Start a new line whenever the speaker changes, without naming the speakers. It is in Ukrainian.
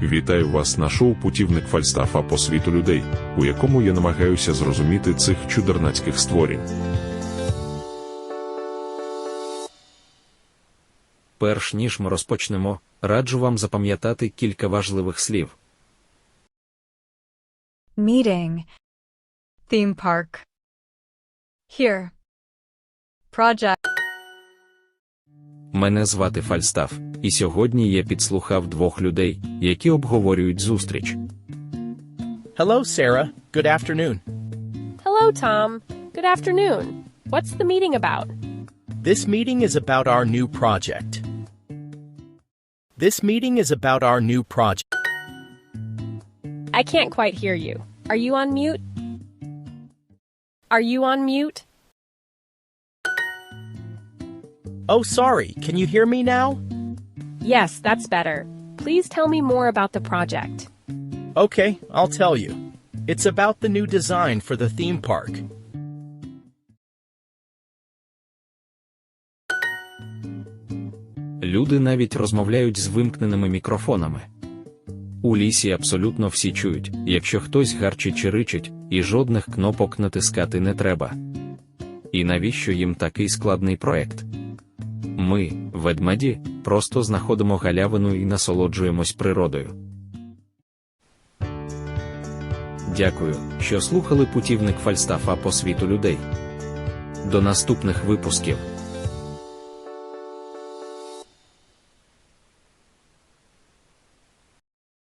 Вітаю вас на шоу «Путівник Фальстафа по світу людей», у якому я намагаюся зрозуміти цих чудернацьких створінь.
Перш ніж ми розпочнемо, раджу вам запам'ятати кілька важливих слів.
Meeting. Theme park. Here. Project.
Мене звати Фальстаф, і сьогодні я підслухав двох людей, які обговорюють зустріч.
Hello, Sarah. Good afternoon.
Hello, Tom. Good afternoon. What's the meeting about?
This meeting is about our new project. This meeting is about our new project.
I can't quite hear you. Are you on mute? Are you on mute?
Oh, sorry. Can you hear me now?
Yes, that's better. Please tell me more about the project.
Okay, I'll tell you. It's about the new design for the theme park.
Люди навіть розмовляють з вимкненими мікрофонами. У лісі абсолютно всі чують, якщо хтось гарчить чи ричить, і жодних кнопок натискати не треба. І навіщо їм такий складний проект? Ми, ведмеді, просто знаходимо галявину і насолоджуємось природою. Дякую, що слухали «Путівник Фальстафа по світу людей». До наступних випусків.